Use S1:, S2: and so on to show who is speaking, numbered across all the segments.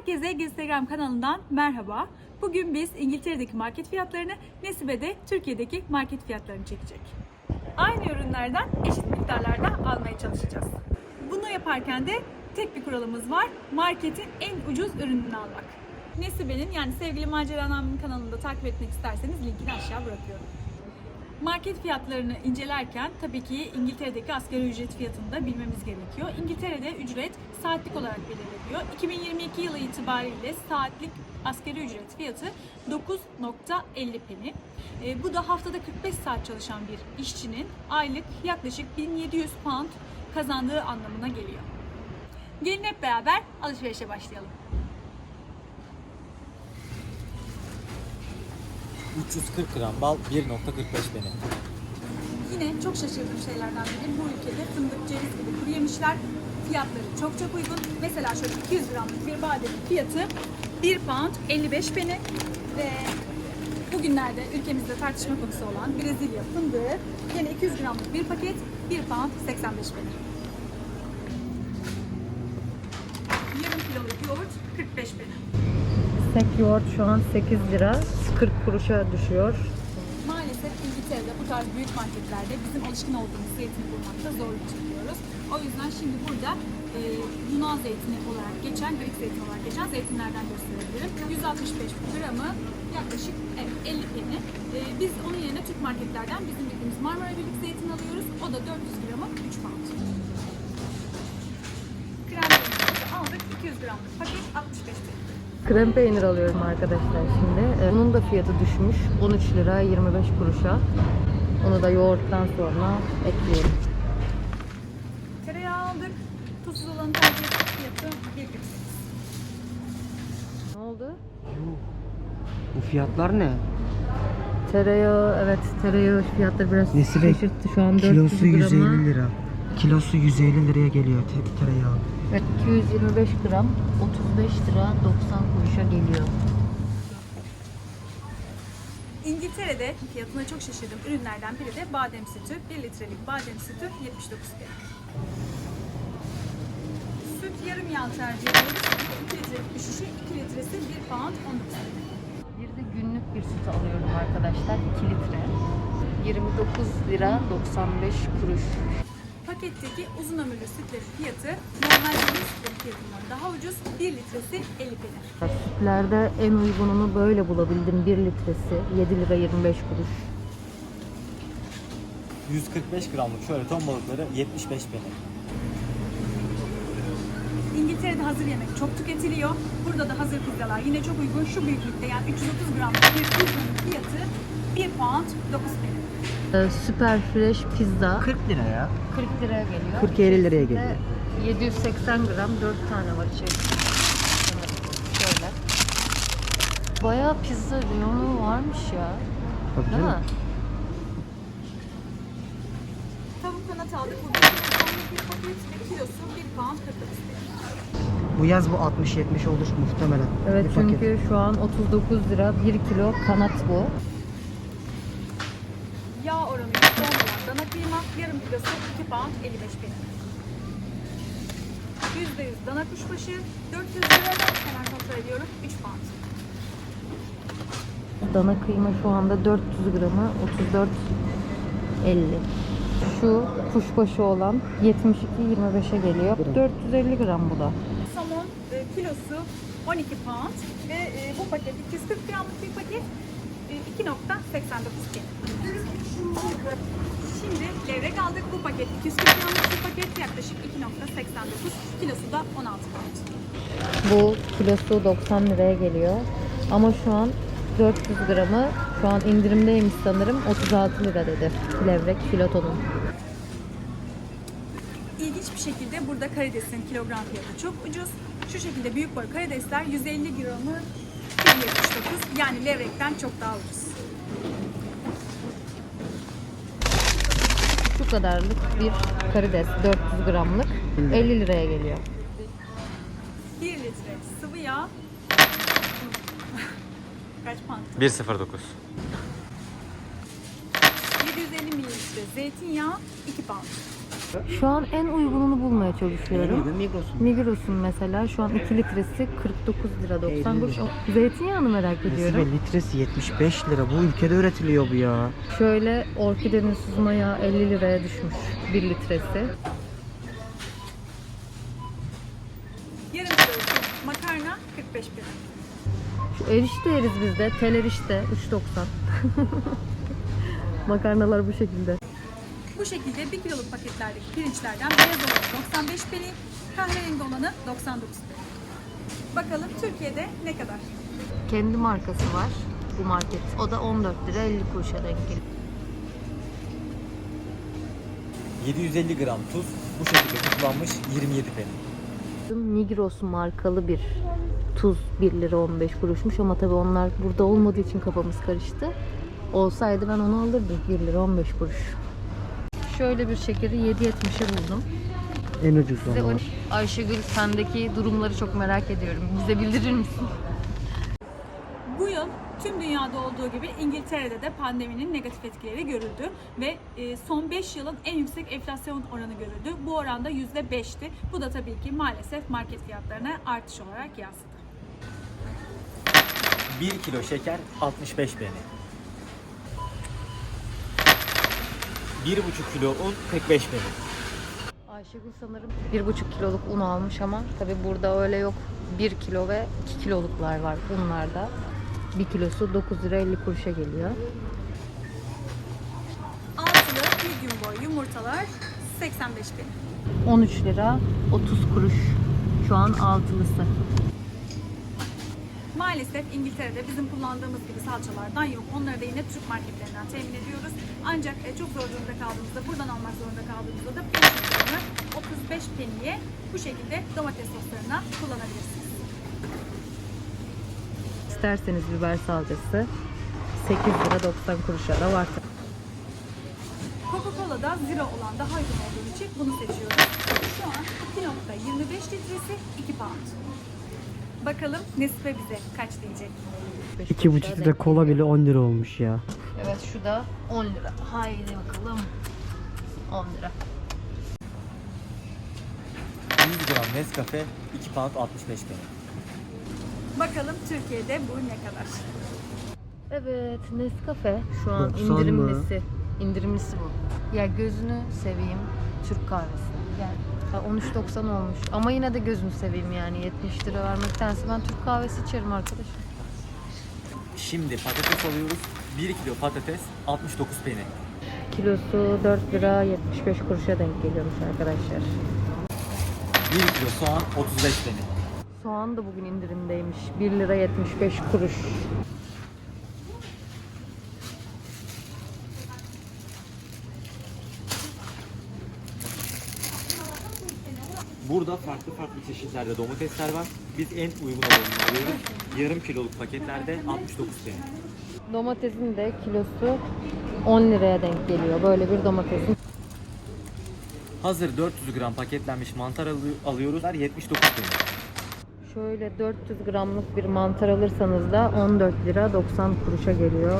S1: Herkese Instagram kanalından merhaba. Bugün biz İngiltere'deki market fiyatlarını, Nesibe de Türkiye'deki market fiyatlarını çekecek. Aynı ürünlerden eşit miktarlarda almaya çalışacağız. Bunu yaparken de tek bir kuralımız var. Marketin en ucuz ürününü almak. Nesibe'nin yani sevgili Macera Nami'nin kanalında takip etmek isterseniz linkini aşağı bırakıyorum. Market fiyatlarını incelerken tabii ki İngiltere'deki asgari ücret fiyatını da bilmemiz gerekiyor. İngiltere'de ücret saatlik olarak belirleniyor. 2022 yılı itibariyle saatlik asgari ücret fiyatı 9.50 peni. Bu da haftada 45 saat çalışan bir işçinin aylık yaklaşık 1700 pound kazandığı anlamına geliyor. Gelin hep beraber alışverişe başlayalım.
S2: 340 gram bal 1.45 peni.
S1: Yine çok şaşırdığım şeylerden biri bu ülkede fındık, ceviz gibi kuru yemişler fiyatları çok uygun. Mesela şöyle 200 gramlık bir badenin fiyatı 1 pound 55 peni ve bugünlerde ülkemizde tartışma konusu olan Brezilya fındığı yine 200 gramlık bir paket 1 pound 85 peni. Yarım kiloluk yoğurt 45 peni.
S3: Tek yoğurt şu an 8 lira 40 kuruşa düşüyor.
S1: Maalesef İngiltere'de bu tarz büyük marketlerde bizim alışkın olduğumuz zeytini bulmakta zorluk çekiyoruz. O yüzden şimdi burada Yunan zeytini olarak geçen, Greek zeytini olarak geçen zeytinlerden gösterebilirim. 165 gramı yaklaşık 50 peni. Biz onun yerine Türk marketlerden bizim bildiğimiz Marmara Birlik zeytin alıyoruz. O da 400 gramı 3 pound. Krem peynirimizi aldık. 200 gramlık paket 65 peni.
S3: Krem peynir alıyorum arkadaşlar şimdi. Bunun da fiyatı düşmüş. 13 lira 25 kuruşa. Onu da yoğurttan sonra ekliyorum.
S1: Tereyağı aldık. Tuzsuz olanı tercih ettik. Fiyatı 1,48.
S3: Ne oldu?
S4: Bu fiyatlar ne?
S3: Tereyağı, evet tereyağı fiyatları biraz
S4: Nesibe,
S3: şaşırttı. Şu an 400
S4: kilosu
S3: grama.
S4: 150 lira. Kilosu 150 liraya geliyor tereyağı.
S3: Evet, 225 gram 35 lira 90 kuruşa geliyor.
S1: İngiltere'de fiyatına çok şaşırdığım ürünlerden biri de badem sütü. 1 litrelik badem sütü 79 peni. Süt yarım yağ tercih ediyoruz. 2 litrelik bir şişe, 2 litresi 1 pound 19 peni.
S3: Bir de günlük bir süt alıyorum arkadaşlar 2 litre. 29 lira 95 kuruş.
S1: Paketteki uzun ömürlü sütlerin fiyatı normal sütlerin fiyatından daha ucuz. 1 litresi 50 peni.
S3: Sütlerde en uygununu böyle bulabildim. 1 litresi 7 lira 25 kuruş.
S2: 145 gramlık şöyle ton balıkları 75 peni.
S1: İngiltere'de hazır yemek çok tüketiliyor. Burada da hazır pizzalar yine çok uygun. Şu büyüklükte yani 330 gramlık bir pizzanın fiyatı 1 pound 9 peni.
S3: Süper fresh pizza
S4: 40 lira ya.
S3: 40 liraya geliyor.
S4: 40-50 liraya geliyor.
S3: Ve 780 gram 4 tane var içerisinde. Şöyle. Bayağı pizza reyonu varmış ya.
S4: Tabii
S3: Değil mi?
S4: canım.
S1: Tavuk kanat aldık. Bu bir paket ve kilosu 1 pound 49 peni.
S4: Bu yaz bu 60-70 olur muhtemelen.
S3: Evet
S4: bir paket.
S3: çünkü şu an 39 lira 1 kilo kanat bu.
S1: Yağ oranı %10 olan dana kıyma yarım kilosu 2 pound 55 peni. %100 dana kuşbaşı 400 lira hemen kontrol ediyorum 3 pound.
S3: Dana kıyma şu anda 400 gramı 34.50. Şu kuşbaşı olan 72.25'e geliyor. 450 gram bu da.
S1: Somon kilosu 12 pound ve bu paket 240 gramlık bir paket 2.89 peni. Şimdi levrek aldık. Bu paket 240 gramlık bir paket yaklaşık 2.89 kilosu da 16 pound.
S3: Bu kilosu 90 liraya geliyor. Ama şu an 400 gramı şu an indirimdeymiş sanırım 36 lira dedi. Levrek filotonun.
S1: İlginç bir şekilde burada karidesin kilogram fiyatı çok ucuz. Şu şekilde büyük boy karidesler 150 gramı 1.79 yani levrekten çok daha ucuz.
S3: Şu kadarlık bir karides 400 gramlık 50 liraya geliyor.
S1: 1 litre sıvı yağ kaç pound?
S2: 109.
S1: 750 mililitre zeytinyağı 2 pound.
S3: Şu an en uygununu bulmaya çalışıyorum.
S4: Migros'un.
S3: Migros'un mesela şu an 2 litresi 49 lira 90
S4: 50
S3: kuruş.
S4: lira.
S3: Zeytinyağını merak ediyorum.
S4: Nesibe litresi 75 lira. Bu ülkede üretiliyor bu ya.
S3: Şöyle orkidenin süzme yağı 50 liraya düşmüş 1 litresi.
S1: Yarım kilo makarna 45 lira.
S3: Şu erişte yeriz biz de. Tel erişte 3.90. Makarnalar bu şekilde.
S1: Bu şekilde 1 kiloluk paketlerdeki pirinçlerden beyaz olanı 95 peni, kahverengi olanı 99 peni. Bakalım Türkiye'de ne kadar?
S3: Kendi markası var bu market. O da 14 lira 50 kuruşa denk geliyor.
S2: 750 gram tuz bu şekilde tuzlanmış 27 peni.
S3: Migros markalı bir tuz 1 lira 15 kuruşmuş ama tabii onlar burada olmadığı için kafamız karıştı. Olsaydı ben onu alırdım 1 lira 15 kuruş. Şöyle bir şekeri 7.70'e buldum.
S4: En ucuz
S3: Size
S4: olan.
S3: Ayşegül sendeki durumları çok merak ediyorum. Bize bildirir misin?
S1: Bu yıl tüm dünyada olduğu gibi İngiltere'de de pandeminin negatif etkileri görüldü ve son 5 yılın en yüksek enflasyon oranı görüldü. Bu oranda %5'ti. Bu da tabii ki maalesef market fiyatlarına artış olarak yansıdı.
S2: 1 kilo şeker 65 peni. 1,5 kilo un 45 peni.
S3: Ayşegül sanırım 1,5 kiloluk un almış ama tabii burada öyle yok. 1 kilo ve 2 kiloluklar var unlarda. 1 kilosu 9 lira 50 kuruşa geliyor.
S1: Altılı bir gün boyu yumurtalar 85 peni.
S3: 13 lira 30 kuruş şu an altılısı.
S1: Maalesef İngiltere'de bizim kullandığımız gibi salçalardan yok. Onları da yine Türk marketlerinden temin ediyoruz. Ancak çok zor durumda kaldığımızda, buradan almak zorunda kaldığımızda da peynirlerini 35 peniye bu şekilde domates soslarına kullanabilirsiniz.
S3: İsterseniz biber salçası 8 lira 90 kuruşa da var.
S1: Coca-Cola'da zero olan daha uygun olduğu için bunu seçiyoruz. Şu an 2.25 litresi 2 pound. Bakalım Nescafe bize kaç diyecek?
S4: 2,5 litre kola bile 10 lira olmuş ya.
S3: Evet şu da 10 lira. Haydi bakalım. 10 lira.
S2: 100 gram Nescafe 2 pound 65 peni.
S1: Bakalım Türkiye'de bu ne kadar?
S3: Evet Nescafe şu an
S4: 90 mı?
S3: indirimlisi. İndirimlisi bu. Ya gözünü seveyim Türk kahvesi. Yani 13.90 olmuş. Ama yine de gözünü seveyim yani 70 lira vermektense ben Türk kahvesi içerim arkadaşım.
S2: Şimdi patates alıyoruz. 1 kilo patates 69 peni.
S3: Kilosu 4 lira 75 kuruşa denk geliyormuş arkadaşlar.
S2: 1 kilo soğan 35 peni.
S3: Soğan da bugün indirimdeymiş. 1 lira 75 kuruş.
S2: Burada farklı çeşitlerde domatesler var. Biz en uygun olanını alıyoruz. Yarım kiloluk paketlerde 69 peni.
S3: Domatesin de kilosu 10 liraya denk geliyor. Böyle bir domatesin.
S2: Hazır 400 gram paketlenmiş mantar alıyoruz. 79 peni.
S3: Şöyle 400 gramlık bir mantar alırsanız da 14 lira 90 kuruşa geliyor.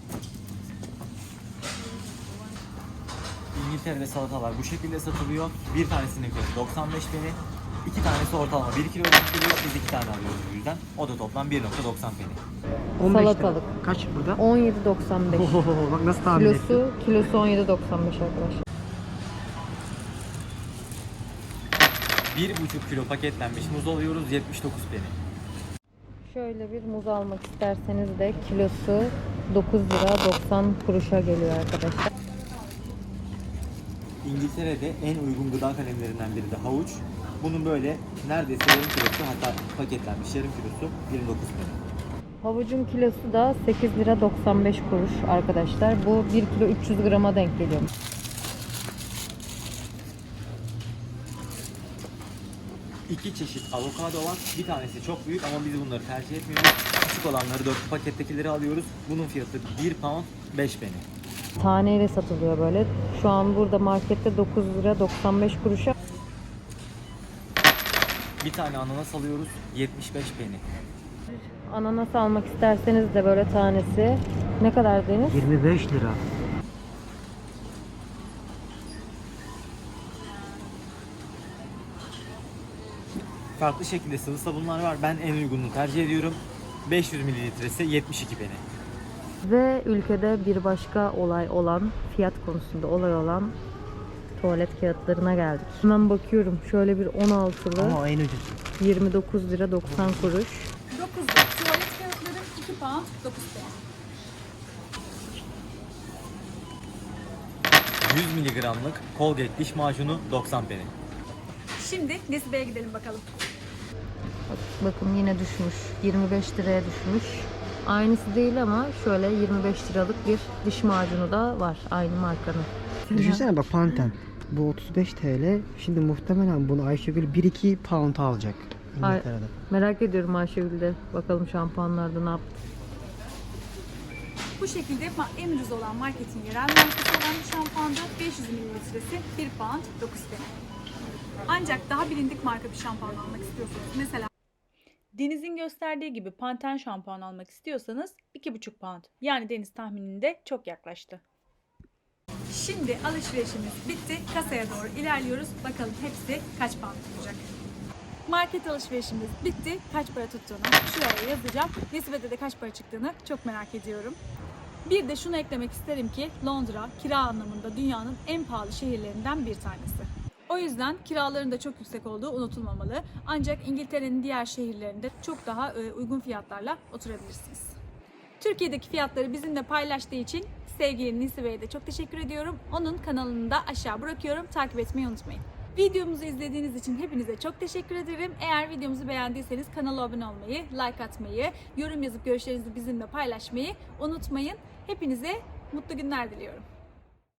S2: İngiltere'de salatalar bu şekilde satılıyor. Bir tanesinin fiyatı 95 peni. 2 tanesi ortalama 1 kilo geliyor. Biz 2 tane alıyoruz bu yüzden. O da toplam 1.90 peni.
S4: 15 lira.
S3: Salatalık.
S4: Kaç burada?
S3: 17.95.
S4: Ohoho, bak nasıl tahmin ettim.
S3: Kilosu 17.95 arkadaşlar.
S2: 1,5 kilo paketlenmiş muz alıyoruz 79 peni.
S3: Şöyle bir muz almak isterseniz de kilosu 9 lira 90 kuruşa geliyor arkadaşlar.
S2: İngiltere'de en uygun gıda kalemlerinden biri de havuç. Bunun böyle neredeyse yarım kilosu, hatta paketlenmiş yarım kilosu 29 peni.
S3: Havucun kilosu da 8 lira 95 kuruş arkadaşlar. Bu 1 kilo 300 grama denk geliyor.
S2: İki çeşit avokado var. Bir tanesi çok büyük ama biz bunları tercih etmiyoruz. Küçük olanları 4 pakettekileri alıyoruz. Bunun fiyatı 1 pound 5 peni.
S3: Taneyle satılıyor böyle. Şu an burada markette 9 lira 95 kuruşa.
S2: Bir tane ananas alıyoruz 75 peni.
S3: Ananas almak isterseniz de böyle tanesi ne kadar Deniz?
S4: 25 lira.
S2: farklı şekilde sıvı sabunlar var. Ben en uygununu tercih ediyorum. 500 mililitresi 72 peni.
S3: Ve ülkede bir başka olay olan, fiyat konusunda olay olan tuvalet kağıtlarına geldik. Hemen bakıyorum. Şöyle bir 16'lı
S4: Ama o en ucuz.
S3: 29 lira 90 kuruş.
S1: 9'lu tuvalet kağıtları 2 pound 9 peni.
S2: 100 miligramlık Colgate diş macunu 90 peni.
S1: Şimdi Nesibe'ye gidelim bakalım.
S3: Bakın yine düşmüş. 25 liraya düşmüş. Aynısı değil ama şöyle 25 liralık bir diş macunu da var. Aynı markanın.
S4: Düşünsene bak Pantene. Bu 35 TL. Şimdi muhtemelen bunu Ayşegül 1-2 pound alacak. İngiltere'de.
S3: Merak ediyorum Ayşegül'de. Bakalım şampuanlarda ne yaptı.
S1: Bu şekilde en ucuz olan marketin yerel markası olan bir şampuanda 500 mililitresi 1 pound 9 peni. Ancak daha bilindik marka bir şampuan almak istiyorsanız, mesela Deniz'in gösterdiği gibi Pantene şampuan almak istiyorsanız 2,5 pound. Yani Deniz tahmininde çok yaklaştı. Şimdi alışverişimiz bitti. Kasaya doğru ilerliyoruz. Bakalım hepsi kaç pound tutacak. Market alışverişimiz bitti. Kaç para tuttuğunu şuraya yazacağım. Nesibe'de de kaç para çıktığını çok merak ediyorum. Bir de şunu eklemek isterim ki Londra kira anlamında dünyanın en pahalı şehirlerinden bir tanesi. O yüzden kiraların da çok yüksek olduğu unutulmamalı. Ancak İngiltere'nin diğer şehirlerinde çok daha uygun fiyatlarla oturabilirsiniz. Türkiye'deki fiyatları bizimle paylaştığı için sevgili Nesibe'ye de çok teşekkür ediyorum. Onun kanalını da aşağı bırakıyorum. Takip etmeyi unutmayın. Videomuzu izlediğiniz için hepinize çok teşekkür ederim. Eğer videomuzu beğendiyseniz kanala abone olmayı, like atmayı, yorum yazıp görüşlerinizi bizimle paylaşmayı unutmayın. Hepinize mutlu günler diliyorum.